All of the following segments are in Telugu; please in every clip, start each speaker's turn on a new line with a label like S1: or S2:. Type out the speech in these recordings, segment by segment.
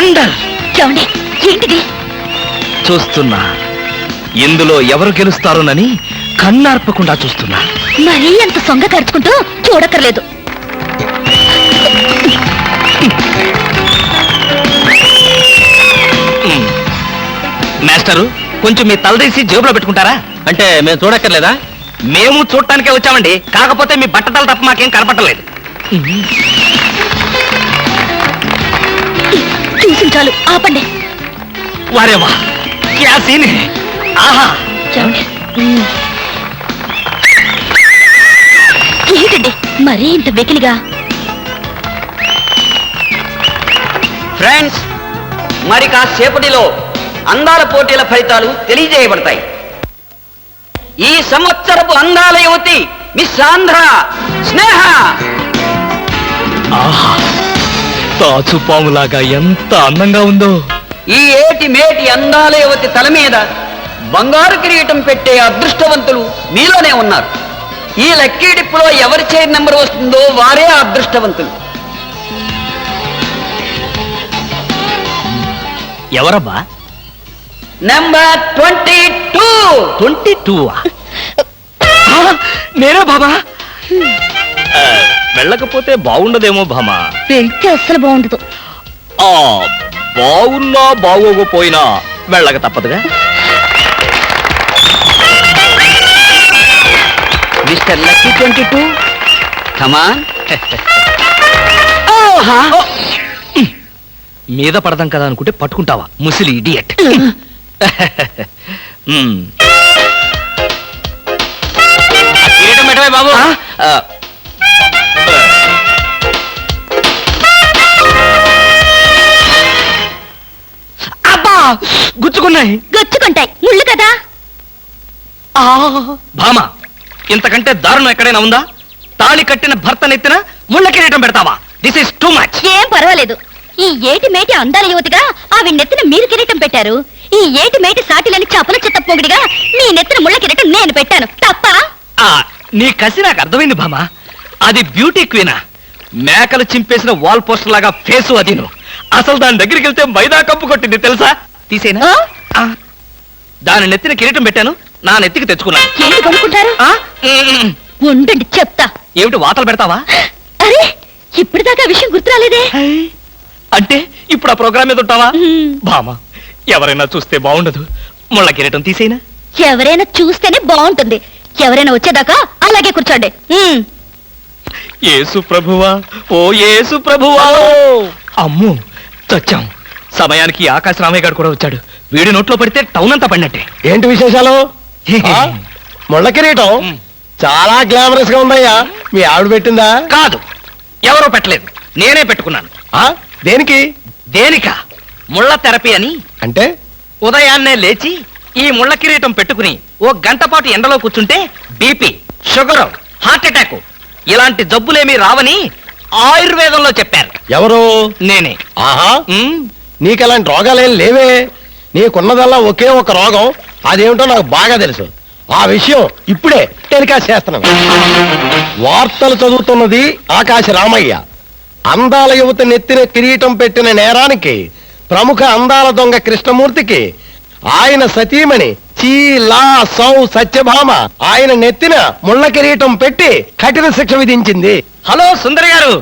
S1: వండర్.
S2: ఏంటిది?
S1: చూస్తున్నా, ఇందులో ఎవరు గెలుస్తారోనని కన్నార్పకుండా చూస్తున్నా.
S2: మరీ అంత సొంగ ఖర్చుకుంటూ చూడక్కర్లేదు.
S1: మాస్టరు, కొంచెం మీ తలదీసి జేబులో పెట్టుకుంటారా?
S3: అంటే మేము చూడక్కర్లేదా?
S1: మేము చూడటానికే వచ్చామండి, కాకపోతే మీ బట్టతలు తప్ప మాకేం కనపట్టలేదు.
S2: చూసి చాలు, ఆపండి.
S1: వారేవా, క్యా సీన్ హై. ఆహా,
S2: ఏంటండి మరీ ఇంత వెకిలిగా?
S3: ఫ్రెండ్స్, మరి కాసేపటిలో అందాల పోటీల ఫలితాలు తెలియజేయబడతాయి. ఈ సంవత్సరపు అందాల యువతి మిస్ ఆంధ్ర స్నేహ.
S1: ఆహా, తాచుపాములాగా ఎంత అందంగా ఉందో.
S3: ఈ ఏటి మేటి అందాల యువతి తల మీద బంగారు కిరీటం పెట్టే అదృష్టవంతులు మీలోనే ఉన్నారు. ఈ లక్కీ డిప్పులో ఎవరి చైర్ నెంబర్ వస్తుందో వారే అదృష్టవంతులు.
S1: ఎవరబ్బా?
S3: నెంబర్ 22.
S1: 22. నేనే బాబా. వెళ్ళకపోతే బాగుండదేమో భామా.
S2: వెళ్తే అస్సలు బాగుండదు.
S1: బాగున్నా బాగోకపోయినా వెళ్ళక తప్పదుగా.
S3: Mister Lucky 22, come on.
S1: మీద పడదాం కదా అనుకుంటే పట్టుకుంటావా ముసిలి ఇడియట్.
S3: కిరీటం పెట్టవే బాబు.
S1: అబ్బా, గుచ్చుకున్నాయి.
S2: గచ్చుకుంటాయి, ముళ్ళు కదా.
S1: భామా, ఇంతకంటే దారుణం ఎక్కడైనా ఉందా? తాళి కట్టిన భర్త నెత్తిన ముళ్ళ కిరీటం పెడతావా? This is too much.
S2: ఏం పర్వాలేదు. ఈ ఏటి మేటి అందాల యువతిగా ఆవి నెత్తిన మీరు కిరీటం పెట్టారు. ఈ ఏటి మేటి సాటిలని చపల చెత్త పొగిడిగా మీ నెత్తిన ముళ్ళ కిరీటం నేను పెట్టాను. తప్ప?
S1: నీ కసి నాకు అర్థమైంది భామా. అది బ్యూటీ క్వీనా? మేకలు చింపేసిన వాల్ పోస్టర్ లాగా ఫేసు అది. అసలు దాని దగ్గరికి వెళ్తే మైదా కప్పు కొట్టింది తెలుసా? తీసేనా? దాని నెత్తిన కిరీటం పెట్టాను, నా నెత్తికి తెచ్చుకున్నాను.
S2: ఏంటి కొనుక్కుంటారు? ఉండండి చెప్తా.
S1: ఏమిటి వాతలు పెడతావా?
S2: అరే, ఇప్పటిదాకా విషయం గుర్తురాలేదే.
S1: అంటే ఇప్పుడు ఆ ప్రోగ్రామ్ మీద ఉంటావా? భామా, ఎవరైనా చూస్తే బాగుండదు. ముళ్ళ కిరీటం తీసేనా?
S2: ఎవరైనా చూస్తేనే బాగుంటుంది. ఎవరైనా వచ్చేదాకా అలాగే కూర్చోండి.
S1: యేసు ప్రభువా, ఓ యేసు ప్రభువా. అమ్మో, చచ్చాం. సమయానికి ఆకాశ రామయ్య గారు కూడా వచ్చాడు. వీడి నోట్లో పడితే టౌన్ అంతా పడినట్టే.
S4: ఏంటి విశేషాలు? ముళ్ళ కిరీటం చాలా గ్లామరస్ గా ఉందయ్యా. మీ ఆవిడ పెట్టిందా?
S1: కాదు, ఎవరో పెట్టలేదు, నేనే పెట్టుకున్నాను.
S4: దేనికి?
S1: దేనికా? ముళ్ళ థెరపీ అని.
S4: అంటే
S1: ఉదయాన్నే లేచి ఈ ముళ్ళ కిరీటం పెట్టుకుని ఓ గంట పాటు ఎండలో కూర్చుంటే బీపీ, షుగర్, హార్ట్ అటాక్ ఇలాంటి జబ్బులేమీ రావని ఆయుర్వేదంలో చెప్పారు.
S4: ఎవరు?
S1: నేనే.
S4: ఆహా, నీకు అలాంటి రోగాలేం లేవే. నీకున్నదల్లా ఒకే ఒక రోగం. అదేమిటో నాకు బాగా తెలుసు. ఆ విషయం ఇప్పుడే టెలికాస్ట్ చేస్తున్నాను. వార్తలు చదువుతున్నది ఆకాశ రామయ్య. అందాల యువత నెత్తిన కిరీటం పెట్టిన నేరానికి ప్రముఖ అందాల దొంగ కృష్ణమూర్తికి ఆయన సతీమణి చీలా సౌ సత్యభామ ఆయన నెత్తిన ముళ్ళ కిరీటం పెట్టి కఠిన శిక్ష విధించింది.
S1: హలో సుందరి గారు,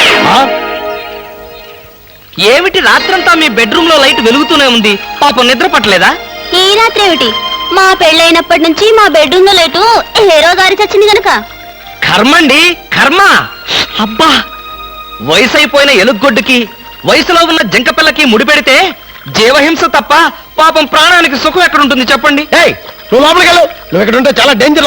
S1: ఏమిటి రాత్రంతా మీ బెడ్రూమ్ లో లైట్ వెలుగుతూనే ఉంది? పాపం నిద్ర పట్టలేదా?
S2: ఈ రాత్రి ఏమిటి? మా పెళ్ళైనప్పటి నుంచి మా బెడ్రూమ్ లో లేటు హేరో దారి చచ్చింది గనక.
S1: కర్మండి, కర్మ. అబ్బా, వయసు అయిపోయిన ఎలుగొడ్డుకి వయసులో ఉన్న జంకపిల్లకి ముడిపెడితే జీవహింస తప్ప పాపం ప్రాణానికి సుఖం ఎక్కడుంటుంది చెప్పండి?
S4: నువ్వు లోపలికి వెళ్ళు. నువ్వు ఇక్కడ ఉంటే చాలా డేంజర్.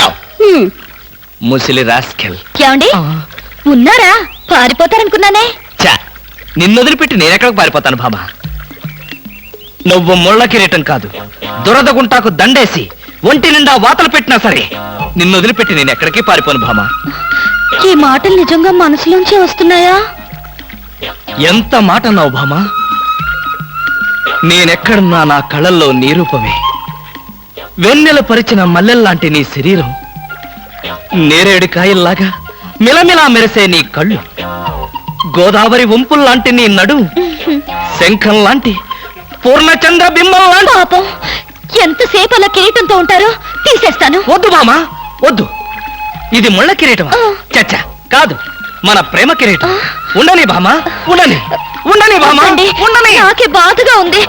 S1: ముసిలి రాస్కెల్.
S2: ఏమండి ఉన్నారా? పారిపోతారనుకున్నానే.
S1: చా, నిన్నొదిలిపెట్టి నేనెక్కడికి పారిపోతాను బాబా? నువ్వు ముళ్ళ కిరీటం కాదు, దురద గుంటాకు దండేసి ఒంటి నిండా వాతలు పెట్టినా సరే నిన్నొదిలిపెట్టి నేను ఎక్కడికి పారిపోను భామా.
S2: ఈ మాటలు నిజంగా మనసులోంచి వస్తున్నాయా?
S1: ఎంత మాట అన్నావు భామా. నేనెక్కడున్నా నా కళ్ళల్లో నీ రూపమే. వెన్నెల పరిచిన మల్లెల్లాంటి నీ శరీరం, నేరేడు కాయల్లాగా మిలమిలా మెరిసే నీ కళ్ళు, గోదావరి వంపుల్లాంటి నీ నడు శంఖం లాంటి పూర్ణచంద్ర బింబం లాంటి.
S2: పాపం ఎంతసేపు అలా కిరీటంతో ఉంటారో తీసేస్తాను.
S1: వద్దు బామా వద్దు, ఇది ముళ్ళ కిరీటమా?
S2: ఆ.
S1: చచ్చా కాదు, మన ప్రేమ కిరీటం. ఉండని బామా, ఉండని ఉండని బామా,
S2: వద్దండి,
S1: ఉండని.
S2: నాకే బాధగా ఉంది.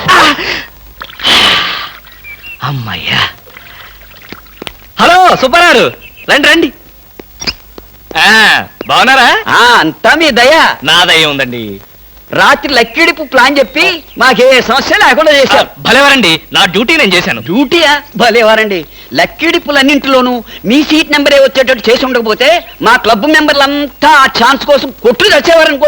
S1: అమ్మయ్యా. హలో సుబ్బారావు, రండి రండి. బాగున్నారా?
S3: అంతా మీ దయ.
S1: నా దయ ఉందండి.
S3: రాత్రి లక్కిడిపు ప్లాన్ చెప్పి మాకే సమస్య లేకుండా చేశారు.
S1: భలేవారండి, నా డ్యూటీ నేను చేశాను.
S3: డ్యూటీయా? భలేవారండి. లక్కిడిపులన్నింటిలోనూ మీ సీట్ నెంబరే వచ్చేటట్టు చేసి ఉండకపోతే మా క్లబ్ మెంబర్లంతా ఆ ఛాన్స్ కోసం కొట్టుకు తెచ్చేవారనుకో.